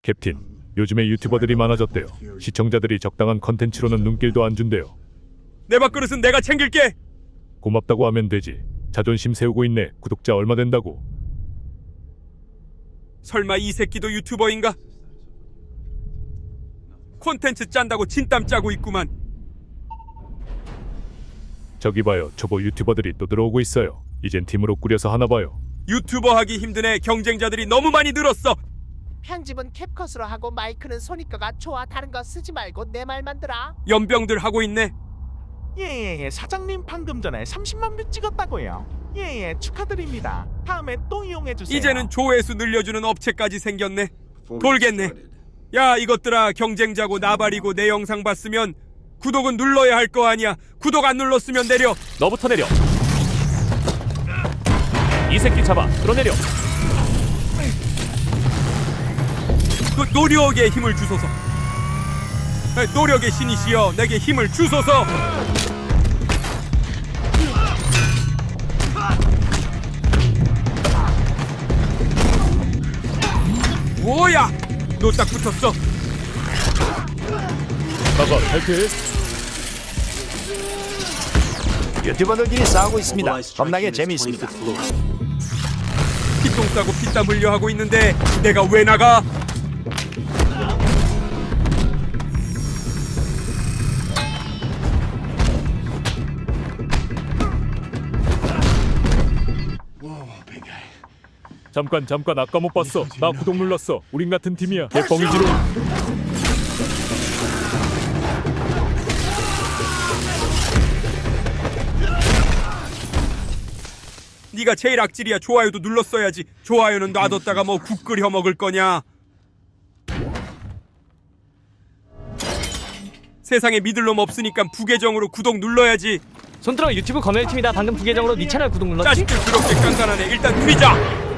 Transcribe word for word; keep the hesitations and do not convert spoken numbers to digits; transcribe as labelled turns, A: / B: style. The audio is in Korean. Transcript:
A: 캡틴, 요즘에 유튜버들이 많아졌대요. 시청자들이 적당한 컨텐츠로는 눈길도 안 준대요.
B: 내 밥그릇은 내가 챙길게.
A: 고맙다고 하면 되지. 자존심 세우고 있네. 구독자 얼마 된다고?
B: 설마 이 새끼도 유튜버인가? 콘텐츠 짠다고 진땀 짜고 있구만.
A: 저기 봐요. 초보 유튜버들이 또 들어오고 있어요. 이젠 팀으로 꾸려서 하나 봐요.
B: 유튜버 하기 힘든 애 경쟁자들이 너무 많이 늘었어.
C: 편집은 캡컷으로 하고 마이크는 소니꺼가 좋아. 다른 거 쓰지 말고 내 말만 들어.
B: 연병들 하고 있네.
D: 예예예 사장님 방금 전에 삼십만 뷰 찍었다고요. 예예 축하드립니다. 다음에 또 이용해주세요.
B: 이제는 조회수 늘려주는 업체까지 생겼네. 돌겠네. 야 이것들아, 경쟁자고 나발이고 내 영상 봤으면 구독은 눌러야 할 거 아니야. 구독 안 눌렀으면 내려.
E: 너부터 내려. 이 새끼 잡아. 끌어내려.
B: 그 노력에 힘을 주소서. 노력의 신이시여 내게 힘을 주소서. 뭐야? 너 딱 붙었어.
A: 나가 탈퇴.
F: 유튜버들끼리 싸우고 있습니다. 겁나게 재미있습니다.
B: 피똥 싸고 피땀 흘려 하고 있는데 내가 왜 나가?
A: 잠깐 잠깐 아까 못 봤어. 나 구독 눌렀어. 우린 같은 팀이야. 개뻥이지로.
B: 네가 제일 악질이야. 좋아요도 눌렀어야지. 좋아요는 놔뒀다가 뭐 국 끓여 먹을 거냐? 세상에 믿을 놈 없으니까 부계정으로 구독 눌러야지.
E: 손들어 유튜브 검열팀이다. 방금 부계정으로 네 채널 구독 눌렀지?
B: 자식들 그렇게 깐깐하네. 일단 튀자.